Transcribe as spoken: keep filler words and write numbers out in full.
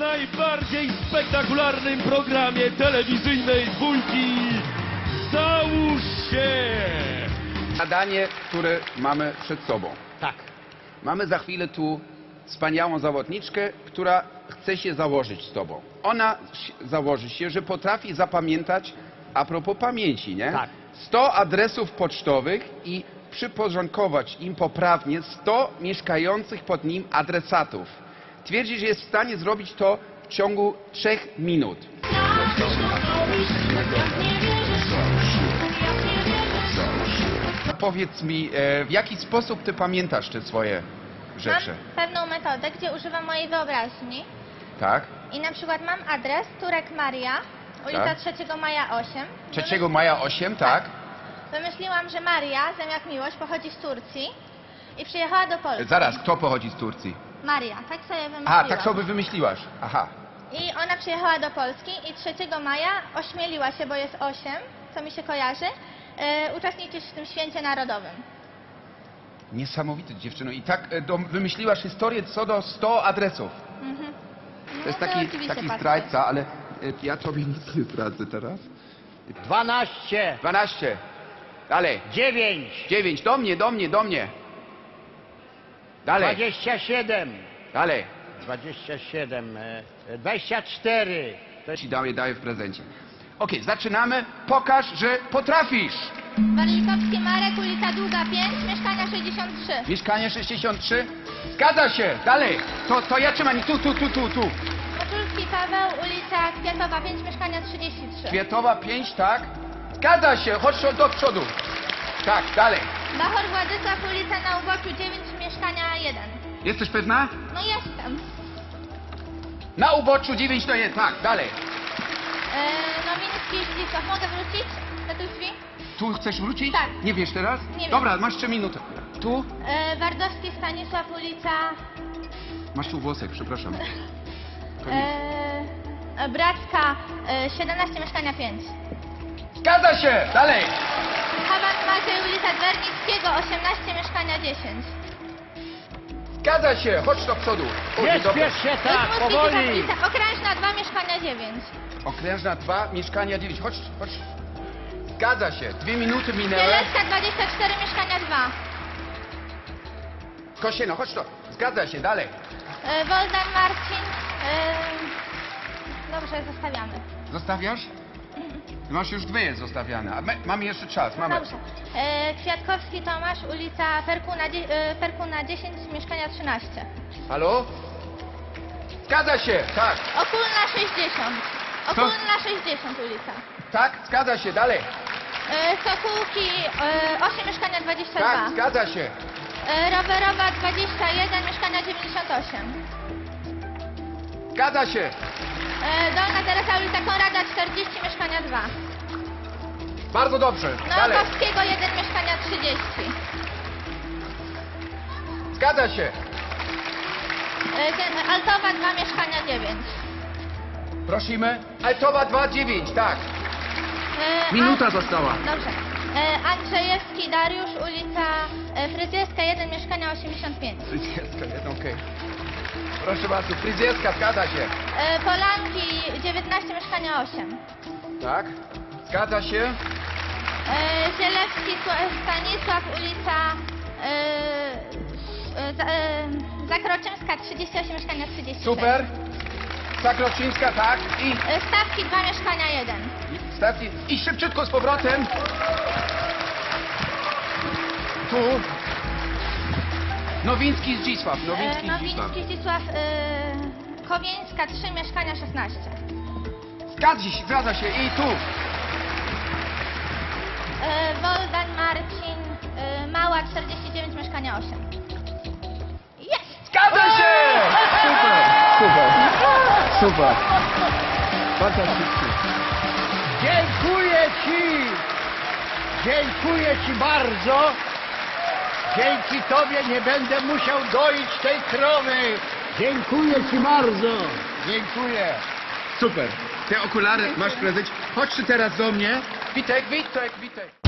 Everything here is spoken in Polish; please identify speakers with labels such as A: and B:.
A: najbardziej spektakularnym programie telewizyjnej dwójki Załóż się!
B: Zadanie, które mamy przed sobą.
C: Tak.
B: Mamy za chwilę tu wspaniałą zawodniczkę, która chce się założyć z tobą. Ona założy się, że potrafi zapamiętać, a propos pamięci, nie?
C: Tak.
B: sto adresów pocztowych i przyporządkować im poprawnie sto mieszkających pod nim adresatów. Twierdzi, że jest w stanie zrobić to w ciągu trzech minut. Powiedz mi, e, w jaki sposób ty pamiętasz te swoje rzeczy?
D: Mam pewną metodę, gdzie używam mojej wyobraźni
B: Tak?
D: i na przykład mam adres Turek Maria, ulica
B: Tak.
D: trzeciego maja osiem.
B: trzeciego maja osiem, tak?
D: Wymyśliłam, że Maria, zamiast miłość, pochodzi z Turcji i przyjechała do Polski.
B: Zaraz, kto pochodzi z Turcji?
D: Maria, tak sobie wymyśliłam.
B: A, tak sobie wymyśliłaś. Aha.
D: I ona przyjechała do Polski i trzeciego maja ośmieliła się, bo jest osiem, co mi się kojarzy, e, uczestniczyć w tym święcie narodowym.
B: Niesamowite, dziewczyno. I tak e, do, wymyśliłaś historię co do stu adresów.
D: Mhm.
B: To jest
D: No
B: taki,
D: oczywiście
B: taki
D: patrzę.
B: zdrajca, ale e, ja tobie nic nie zdradzę teraz.
C: Dwanaście.
B: dwanaście. Dalej.
C: Dziewięć.
B: dziewięć. Do mnie, do mnie, do mnie. Dalej.
C: Dwadzieścia siedem.
B: Dalej.
C: Dwadzieścia siedem. e, Dwadzieścia cztery. To
B: Ci daję, daję w prezencie. Okej, zaczynamy. Pokaż, że potrafisz.
D: Warlikowski Marek, ulica Długa pięć, mieszkania sześćdziesiąt trzy.
B: Mieszkanie sześćdziesiąt trzy. Zgadza się. Dalej. To, to ja trzymam. Tu, tu, tu, tu, tu.
D: Moczulski Paweł, ulica Kwiatowa pięć, mieszkania trzydzieści trzy.
B: Kwiatowa pięć, tak? Zgadza się. Chodź do przodu. Tak, dalej.
D: Bachor Władysław, ulica na Uboczu dziewięć, mieszkania jeden.
B: Jesteś pewna?
D: No jestem.
B: Na uboczu dziewięć to jest. Tak, dalej.
D: Eee, Nowinski Zdzisław, mogę wrócić do tych drzwi?
B: Tu chcesz wrócić?
D: Tak.
B: Nie wiesz teraz?
D: Nie wiem.
B: Dobra, masz trzy minuty. Tu?
D: Eee, Wardowski Stanisław, ulica
B: Masz tu włosek, przepraszam.
D: eee, Bracka eee, siedemnaście, mieszkania pięć.
B: Zgadza się! Dalej!
D: Haban Maciej, ulica Dwernickiego osiemnaście, mieszkania dziesięć.
B: Zgadza się! Chodź do przodu.
C: Nie
B: Dobra.
C: śpiesz się tak,
D: Udmurski
C: powoli.
D: Zdzisław, ulica Okrężna dwa, mieszkania dziewięć.
B: Okrężna dwa, mieszkania dziewięć. Chodź, chodź. Zgadza się. Dwie minuty minęły.
D: Bielecka dwadzieścia cztery, mieszkania dwa.
B: Kosieno, chodź to. Zgadza się, dalej.
D: Eee, Woldan Marcin. Eee, dobrze, zostawiamy.
B: Zostawiasz? Masz już dwie zostawiane. A my, mamy jeszcze czas. Mamy.
D: Dobrze. E, Kwiatkowski Tomasz, ulica Perkuna, dzie- e, Perkuna dziesięć, mieszkania trzynaście.
B: Halo? Zgadza się, tak.
D: Okulna sześćdziesiąt. Okulna sześćdziesiąt ulica.
B: Tak, zgadza się, dalej.
D: E, Sokółki e, osiem, mieszkania dwadzieścia dwa.
B: Tak, zgadza się.
D: E, Rowerowa dwadzieścia jeden, mieszkania dziewięćdziesiąt osiem.
B: Zgadza się.
D: E, Dolna Teresa, ulica Konrada czterdzieści, mieszkania dwa.
B: Bardzo dobrze. Dalej.
D: Nowakowskiego jeden, mieszkania trzydzieści.
B: Zgadza się.
D: E, Gen- Altowa dwa, mieszkania dziewięć.
B: Prosimy. Altowa dwa dziewięć, tak.
D: E,
B: Minuta
D: An-
B: została.
D: Dobrze. E, Andrzejewski Dariusz, ulica e, Fryzjerska jeden, mieszkania osiemdziesiąt pięć.
B: Fryzjerska, jedno, okej. Proszę bardzo, fryzjerska, zgadza się.
D: E, Polanki dziewiętnaście, mieszkania osiem.
B: Tak? Zgadza się.
D: E, Zielewski Sła- Stanisław, ulica e, e, za- e, Zakroczymska trzydzieści osiem, mieszkania trzydzieści sześć.
B: Super. Zakroczyńska, tak. I
D: E, Stawki dwa, mieszkania jeden.
B: stawki. I szybciutko z powrotem. Tu. Nowiński Zdzisław.
D: E,
B: Nowiński Zdzisław.
D: Nowiński Zdzisław e, Kowieńska trzy, mieszkania szesnaście.
B: Zgadza się, zgadza się. I tu.
D: E, Woldan Marcin e, Mała czterdzieści dziewięć, mieszkania osiem. Jest!
B: Zgadza się! Super, super. Super. Fantastycznie.
C: Dziękuję ci. Dziękuję ci bardzo. Dzięki tobie nie będę musiał doić tej krowy. Dziękuję ci bardzo. Dziękuję.
B: Super. Te okulary masz w prezencie. Chodź ty teraz do mnie. Witek, Witek, Witek.